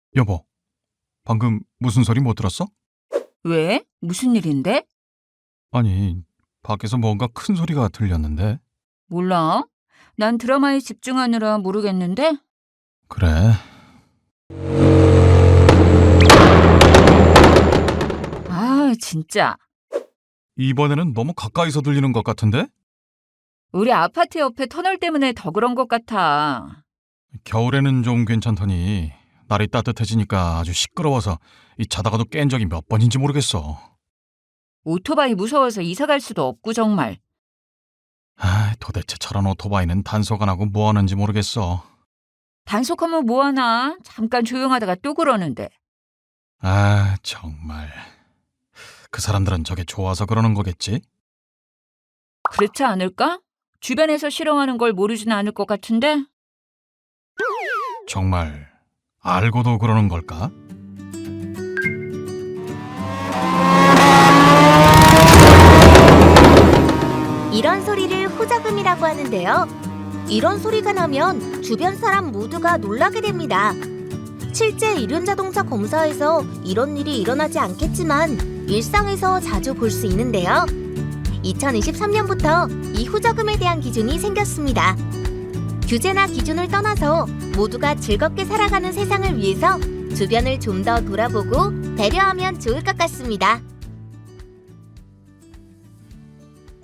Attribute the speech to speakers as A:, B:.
A: 여보, 방금 무슨 소리 못 들었어?
B: 왜? 무슨 일인데?
A: 아니, 밖에서 뭔가 큰 소리가 들렸는데.
B: 몰라. 난 드라마에 집중하느라 모르겠는데?
A: 그래,
B: 아, 진짜.
A: 이번에는 너무 가까이서 들리는 것 같은데?
B: 우리 아파트 옆에 터널 때문에 더 그런 것 같아.
A: 겨울에는 좀 괜찮더니 날이 따뜻해지니까 아주 시끄러워서 이 자다가도 깬 적이 몇 번인지 모르겠어.
B: 오토바이 무서워서 이사 갈 수도 없고 정말.
A: 아, 도대체 저런 오토바이는 단속 안 하고 뭐 하는지 모르겠어.
B: 단속하면 뭐하나? 잠깐 조용하다가 또 그러는데.
A: 아, 정말. 그 사람들은 저게 좋아서 그러는 거겠지?
B: 그렇지 않을까? 주변에서 싫어하는 걸 모르진 않을 것 같은데?
A: 정말 알고도 그러는 걸까?
C: 이런 소리를 호적음이라고 하는데요. 이런 소리가 나면 주변 사람 모두가 놀라게 됩니다. 실제 이륜자동차 검사에서 이런 일이 일어나지 않겠지만 일상에서 자주 볼 수 있는데요. 2023년부터 이 후저금에 대한 기준이 생겼습니다. 규제나 기준을 떠나서 모두가 즐겁게 살아가는 세상을 위해서 주변을 좀 더 돌아보고 배려하면 좋을 것 같습니다.